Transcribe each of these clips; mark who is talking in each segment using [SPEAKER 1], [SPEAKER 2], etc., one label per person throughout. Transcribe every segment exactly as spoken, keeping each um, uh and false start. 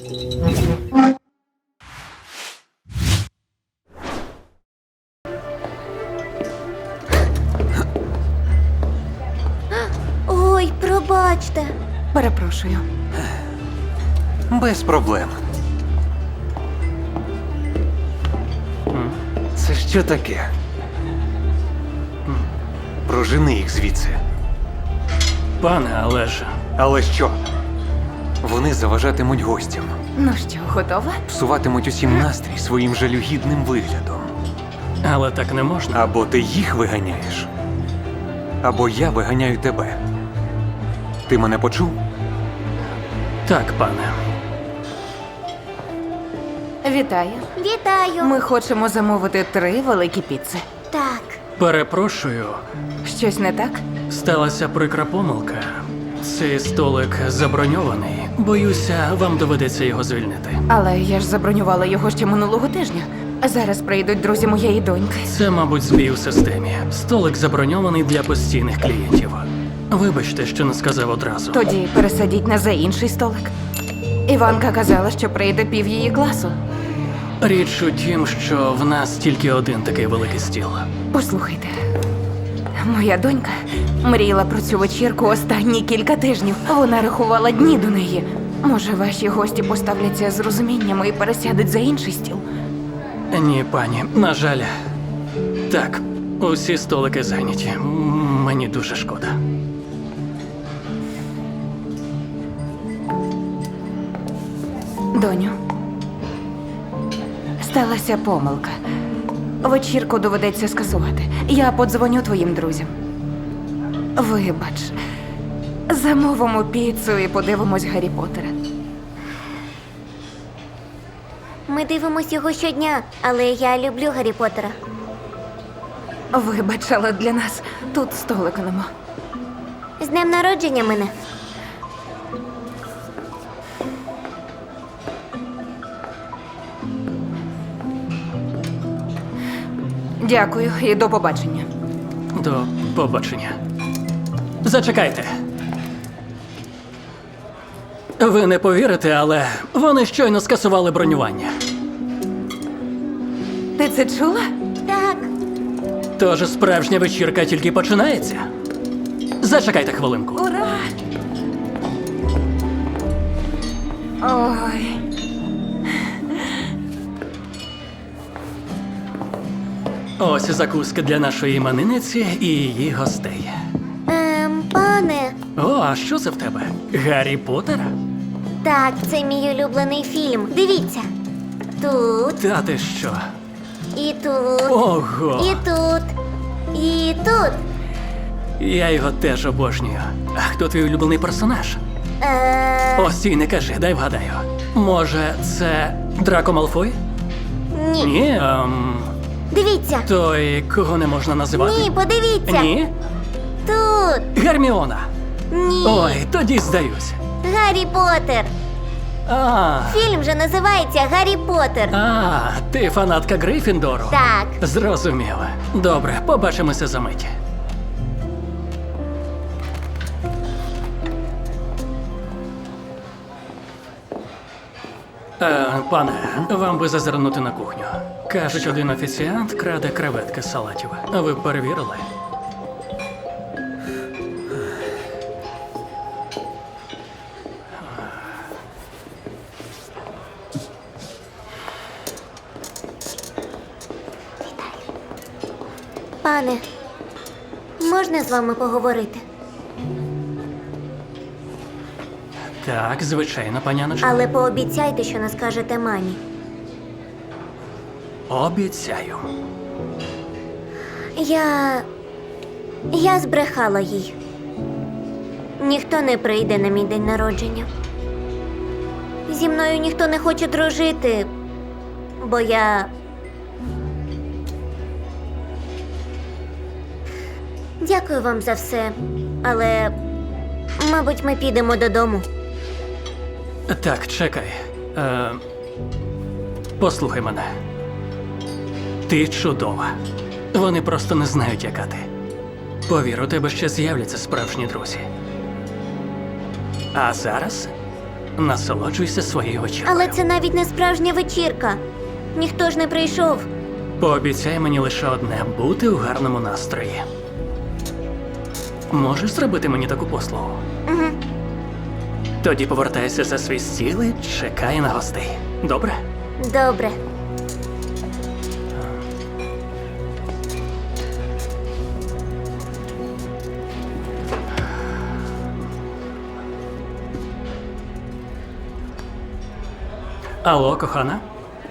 [SPEAKER 1] Ой, пробачте.
[SPEAKER 2] Перепрошую.
[SPEAKER 3] Без проблем. Це що таке? Прожени їх звідси.
[SPEAKER 4] Пане, але ж...
[SPEAKER 3] Але що? Вони заважатимуть гостям,
[SPEAKER 2] Ну що, готова?
[SPEAKER 3] псуватимуть усім настрій своїм жалюгідним виглядом.
[SPEAKER 4] Але так не можна.
[SPEAKER 3] Або ти їх виганяєш, або я виганяю тебе. Ти мене почув?
[SPEAKER 4] Так, пане.
[SPEAKER 2] Вітаю.
[SPEAKER 1] Вітаю.
[SPEAKER 2] Ми хочемо замовити три великі піци.
[SPEAKER 1] Так.
[SPEAKER 4] Перепрошую.
[SPEAKER 2] Щось не так?
[SPEAKER 4] Сталася прикра помилка. Цей столик заброньований. Боюся, вам доведеться його звільнити.
[SPEAKER 2] Але я ж забронювала його ще минулого тижня. Зараз прийдуть друзі моєї доньки.
[SPEAKER 4] Це, мабуть, збій у системі. Столик заброньований для постійних клієнтів. Вибачте, що не сказав одразу.
[SPEAKER 2] Тоді пересадіть на за інший столик. Іванка казала, що прийде пів її класу.
[SPEAKER 4] Річ у тім, що в нас тільки один такий великий стіл.
[SPEAKER 2] Послухайте, моя донька мріяла про цю вечірку останні кілька тижнів. Вона рахувала дні до неї. Може, ваші гості поставляться з розумінням і пересядуть за інший стіл?
[SPEAKER 4] Ні, пані, на жаль. Так, усі столики зайняті. М, Мені дуже шкода.
[SPEAKER 2] Доню, сталася помилка. Вечірку доведеться скасувати. Я подзвоню твоїм друзям. Вибач. Замовимо піцу і подивимось Гаррі Поттера.
[SPEAKER 1] Ми дивимось його щодня, але я люблю Гаррі Поттера.
[SPEAKER 2] Вибач, але для нас тут столика нема.
[SPEAKER 1] З днем народження мене.
[SPEAKER 2] Дякую і до побачення.
[SPEAKER 4] До побачення. Зачекайте. Ви не повірите, але вони щойно скасували бронювання.
[SPEAKER 2] Ти це чула?
[SPEAKER 1] Так.
[SPEAKER 4] Тож справжня вечірка тільки починається. Зачекайте хвилинку.
[SPEAKER 2] Ура! Ой.
[SPEAKER 4] Ось закуски для нашої іменинниці і її гостей.
[SPEAKER 1] Ем, пане.
[SPEAKER 4] О, а що це в тебе? Гаррі Поттер?
[SPEAKER 1] Так, це мій улюблений фільм. Дивіться. Тут,
[SPEAKER 4] Та ти що?
[SPEAKER 1] і тут,
[SPEAKER 4] Ого!
[SPEAKER 1] і тут, і тут.
[SPEAKER 4] Я його теж обожнюю. А хто твій улюблений персонаж?
[SPEAKER 1] Е,
[SPEAKER 4] Ось цій не кажи, дай вгадаю. Може, це Драко Малфой?
[SPEAKER 1] ні.
[SPEAKER 4] Ні, ем,
[SPEAKER 1] Дивіться.
[SPEAKER 4] той, кого не можна називати?
[SPEAKER 1] Ні, подивіться.
[SPEAKER 4] Ні?
[SPEAKER 1] Тут.
[SPEAKER 4] Герміона.
[SPEAKER 1] Ні.
[SPEAKER 4] Ой, тоді здаюсь.
[SPEAKER 1] Гаррі Поттер.
[SPEAKER 4] А,
[SPEAKER 1] Фільм же називається Гаррі Поттер.
[SPEAKER 4] а, ти фанатка Гриффіндору?
[SPEAKER 1] Так.
[SPEAKER 4] Зрозуміло. Добре, побачимося за мить. Е, пане, вам би зазирнути на кухню. Кажуть, один офіціант краде креветки з салатів. А ви перевірили?
[SPEAKER 1] Пане, можна з вами поговорити?
[SPEAKER 4] Так, звичайно, паняночко.
[SPEAKER 1] Але пообіцяйте, що не скажете мамі.
[SPEAKER 4] Обіцяю.
[SPEAKER 1] Я. Я збрехала їй. Ніхто не прийде на мій день народження. Зі мною ніхто не хоче дружити, бо я. Дякую вам за все, але, мабуть, ми підемо додому.
[SPEAKER 4] Так, чекай. Е, послухай мене. Ти чудова. Вони просто не знають, яка ти. Повір, у тебе ще з'являться справжні друзі. А зараз Насолоджуйся своєю вечіркою.
[SPEAKER 1] Але це навіть не справжня вечірка. Ніхто ж не прийшов.
[SPEAKER 4] Пообіцяй мені лише одне – бути у гарному настрої. Можеш зробити мені таку послугу?
[SPEAKER 1] Угу.
[SPEAKER 4] Тоді повертайся за свій стіл і чекай на гостей. Добре?
[SPEAKER 1] Добре.
[SPEAKER 4] Алло, кохана.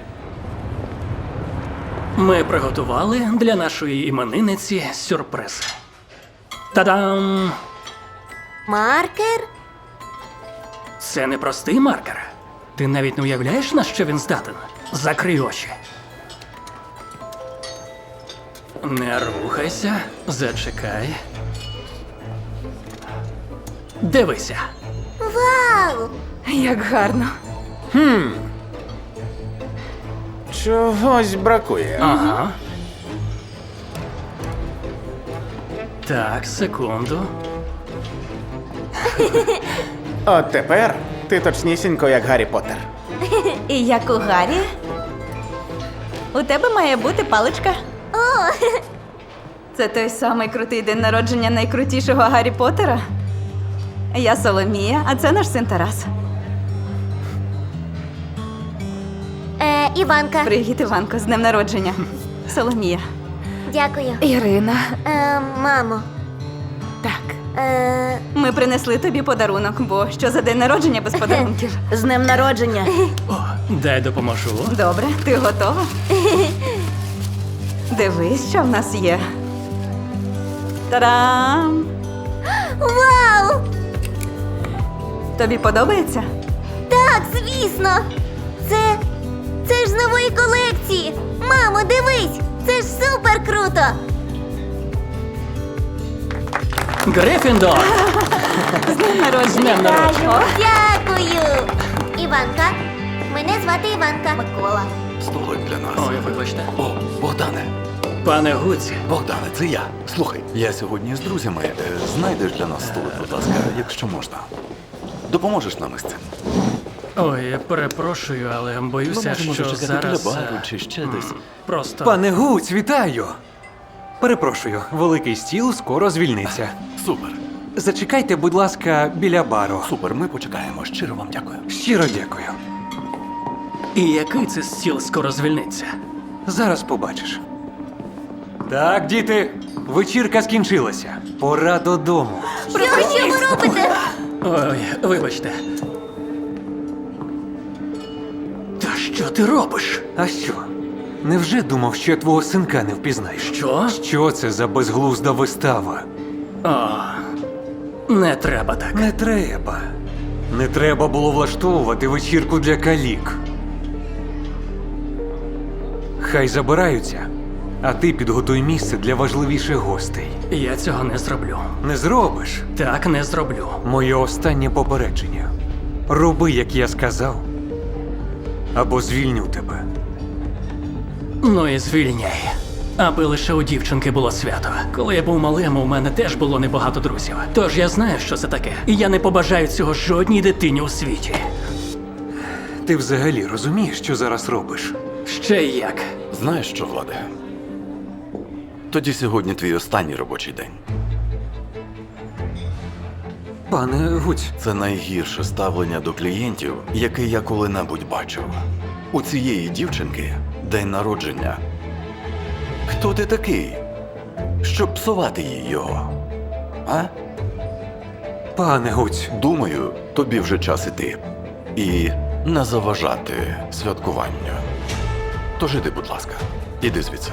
[SPEAKER 4] Ми приготували для нашої іменинниці сюрприз. Та-дам!
[SPEAKER 1] Маркер?
[SPEAKER 4] Це не простий маркер. Ти навіть не уявляєш, на що він здатен? Закрий очі. Не рухайся, зачекай. Дивися.
[SPEAKER 1] Вау!
[SPEAKER 2] Як гарно.
[SPEAKER 5] Чогось бракує.
[SPEAKER 4] Ага. Так, секунду.
[SPEAKER 5] От тепер ти точнісінько як Гаррі Поттер.
[SPEAKER 6] І як у Гаррі, у тебе має бути паличка.
[SPEAKER 1] О,
[SPEAKER 6] Це той самий крутий день народження найкрутішого Гаррі Поттера. Я Соломія, а це наш син Тарас.
[SPEAKER 1] е, Іванка.
[SPEAKER 6] Привіт, Іванко, з днем народження. Соломія.
[SPEAKER 1] Дякую.
[SPEAKER 2] Ірина.
[SPEAKER 1] Е, мамо.
[SPEAKER 2] Так.
[SPEAKER 1] Е,
[SPEAKER 6] Ми принесли тобі подарунок, бо що за день народження без подарунків?
[SPEAKER 2] З днем народження.
[SPEAKER 4] О, дай допоможу.
[SPEAKER 6] Добре, ти готова? Дивись, що в нас є. Та-дам!
[SPEAKER 1] вау!
[SPEAKER 6] Тобі подобається?
[SPEAKER 1] Так, звісно! Це. Це ж з нової колекції! Мамо, дивись! Це ж супер круто!
[SPEAKER 4] Грифіндор!
[SPEAKER 6] З днем народження!
[SPEAKER 4] З днем народження!
[SPEAKER 6] О,
[SPEAKER 1] Дякую! Іванка. Мене звати Іванка. Микола.
[SPEAKER 7] Столик для нас.
[SPEAKER 4] Ой, вибачте.
[SPEAKER 7] О, Богдане,
[SPEAKER 4] Пане Гуці,
[SPEAKER 7] Богдане, це я. Слухай, я сьогодні з друзями. Е, знайдеш для нас столик, будь ласка, якщо можна. Допоможеш нам із цим?
[SPEAKER 4] ой, я перепрошую, але боюся,
[SPEAKER 7] Ми можемо
[SPEAKER 4] що
[SPEAKER 7] зачекати
[SPEAKER 4] зараз...
[SPEAKER 7] біля бару
[SPEAKER 4] е,
[SPEAKER 7] чи ще
[SPEAKER 4] м,
[SPEAKER 7] десь.
[SPEAKER 4] Просто...
[SPEAKER 3] Пане Гуць, вітаю! Перепрошую, великий стіл скоро звільниться.
[SPEAKER 7] Супер,
[SPEAKER 3] Зачекайте, будь ласка, біля бару.
[SPEAKER 7] супер, ми почекаємо. Щиро вам дякую.
[SPEAKER 3] Щиро дякую.
[SPEAKER 4] І який це стіл скоро звільниться?
[SPEAKER 3] Зараз побачиш. Так, діти, вечірка скінчилася. Пора додому.
[SPEAKER 1] Що, що ви робите?
[SPEAKER 4] Ой, вибачте. Та що ти робиш?
[SPEAKER 3] А що? Невже думав, що я твого синка не впізнаєш?
[SPEAKER 4] Що?
[SPEAKER 3] Що це за безглузда вистава?
[SPEAKER 4] О, не треба так.
[SPEAKER 3] Не треба. Не треба було влаштовувати вечірку для калік. Хай забираються, а ти підготуй місце для важливіших гостей.
[SPEAKER 4] Я цього не зроблю.
[SPEAKER 3] Не зробиш?
[SPEAKER 4] Так не зроблю.
[SPEAKER 3] Моє останнє попередження. Роби, як я сказав, або звільню тебе.
[SPEAKER 4] Ну і звільняй. Аби лише у дівчинки було свято. Коли я був малим, у мене теж було небагато друзів. Тож я знаю, що це таке. І я не побажаю цього жодній дитині у світі.
[SPEAKER 3] Ти взагалі розумієш, що зараз робиш?
[SPEAKER 4] Ще як.
[SPEAKER 7] Знаєш що, Владе? Тоді сьогодні твій останній робочий день.
[SPEAKER 3] Пане Гуць,
[SPEAKER 7] Це найгірше ставлення до клієнтів, яке я коли-небудь бачив. У цієї дівчинки день народження. Хто ти такий, щоб псувати їй його? А?
[SPEAKER 3] пане Гуць,
[SPEAKER 7] Думаю, тобі вже час іти. І не заважати святкуванню. Тож іди, будь ласка, іди звідси.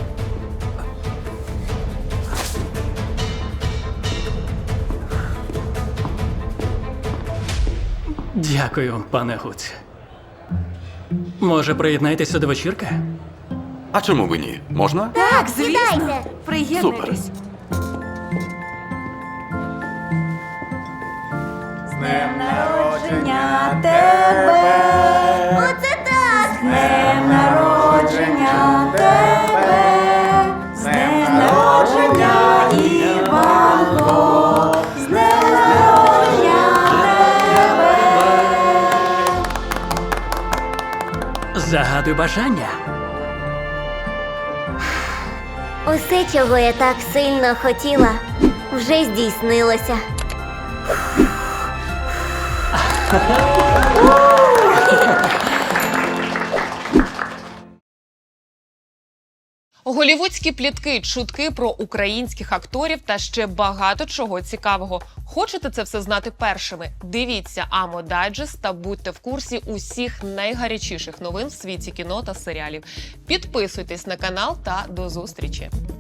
[SPEAKER 4] Дякую, пане Гуць. Може, приєднайтеся до вечірки?
[SPEAKER 7] А чому ви ні? Можна?
[SPEAKER 1] Так, сідайте.
[SPEAKER 6] приєднуйтесь. З днем народження тебе!
[SPEAKER 1] Оце так!
[SPEAKER 6] З днем народження тебе! З днем народження, Іванко! З днем народження тебе!
[SPEAKER 4] Загадуй бажання.
[SPEAKER 1] Усе, чого я так сильно хотіла, вже здійснилося.
[SPEAKER 8] Голівудські плітки, чутки про українських акторів та ще багато чого цікавого. Хочете це все знати першими? Дивіться Амо Дайджест та будьте в курсі усіх найгарячіших новин в світі кіно та серіалів. Підписуйтесь на канал та до зустрічі!